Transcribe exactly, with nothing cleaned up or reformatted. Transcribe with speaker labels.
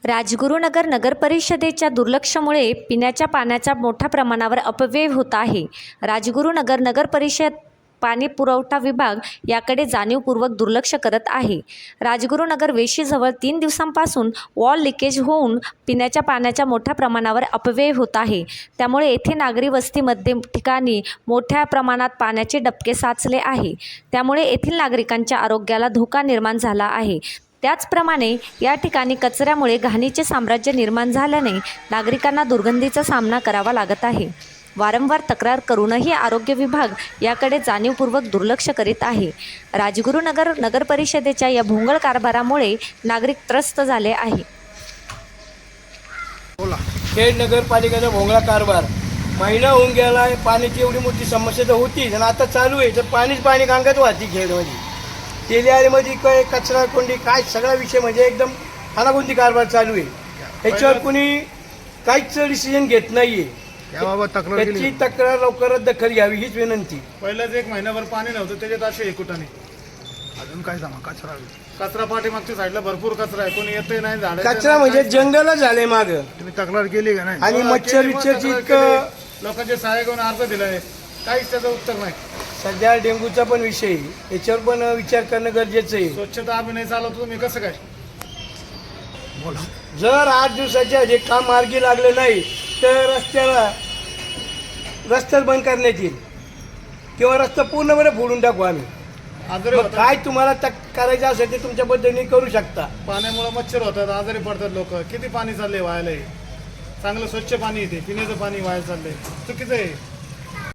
Speaker 1: राजगुरुनगर नगरपरिषदेच्या दुर्लक्षामुळे पिण्याच्या पाण्याचा मोठ्या प्रमाणावर अपव्यय होत आहे. राजगुरुनगर नगरपरिषद पाणी पुरवठा विभाग याकडे जाणीवपूर्वक दुर्लक्ष करत आहे. राजगुरुनगर वेशीजवळ तीन दिवसांपासून वॉल लिकेज होऊन पिण्याच्या पाण्याच्या मोठ्या प्रमाणावर अपव्यय होत आहे. त्यामुळे येथे नागरी वस्तीमध्ये ठिकाणी मोठ्या प्रमाणात पाण्याचे डबके साचले आहे. त्यामुळे येथील नागरिकांच्या आरोग्याला धोका निर्माण झाला आहे. त्याचप्रमाणे या ठिकाणी कचऱ्यामुळे घाणीचे साम्राज्य निर्माण झाल्याने नागरिकांना दुर्गंधीचा सामना करावा लागत आहे. वारंवार तक्रार करूनही आरोग्य विभाग याकडे जाणीवपूर्वक दुर्लक्ष करीत आहे. राजगुरुनगर नगरपरिषदेच्या या भोंगळ कारभारामुळे नागरिक त्रस्त झाले आहे.
Speaker 2: खेड नगरपालिकेचा भोंगळा कारभार महिना होऊन गेला आहे. पाण्याची एवढी मोठी समस्या तर होतीच आणि आता चालू आहे तर पाणीच पाणी कांगत वाहती खेडमध्ये. तेलियामध्ये काय कचरा कोंडी काय सगळा विषय म्हणजे एकदम हानागुंदी कारभार चालू आहे. याच्यावर कुणी काहीच डिसिजन घेत नाहीये.
Speaker 3: याबाबत तक्रार
Speaker 2: त्याची
Speaker 3: केली
Speaker 2: तक्रार लवकरच दखल घ्यावी हीच विनंती.
Speaker 4: पहिल्याच एक महिनाभर पाणी नव्हतं त्याच्यात असे एकुटाने
Speaker 3: अजून काय सांगा कचरा
Speaker 4: कचरा पाठीमागच्या साईडला भरपूर कचरा आहे. कोणी येतही नाही झाड
Speaker 2: कचरा म्हणजे जंगलच झाले माग
Speaker 3: तुम्ही तक्रार केली का नाही?
Speaker 2: आणि मच्छर विच्छरची इतकं
Speaker 4: लोकांचे सहाय्य करून अर्ज दिलाय काहीच त्याचं उत्तर नाही.
Speaker 2: सध्या डेंग्यूचा पण विषय आहे. याच्यावर पण विचार करणं गरजेचं आहे.
Speaker 4: स्वच्छता अभिनय चालवतो तुम्ही कसं काय?
Speaker 3: बोला.
Speaker 2: जर आठ दिवसाच्या जे काम मार्गी लागले नाही तर रस्त्याला रस्त्यात बंद करण्यात येईल किंवा रस्ता पूर्णपणे फोडून टाकू आम्ही.
Speaker 4: आजारी
Speaker 2: मग
Speaker 4: होतात
Speaker 2: काय तुम्हाला तक करायचं असेल ते तुमच्या पद्धतीने करू शकता.
Speaker 4: पाण्यामुळे मच्छर होतात, आजारी पडतात लोक. किती पाणी चाललंय व्हायला? चांगलं स्वच्छ पाणी येते, पिण्याचं पाणी व्हायला चाललंय. चुकीचं आहे.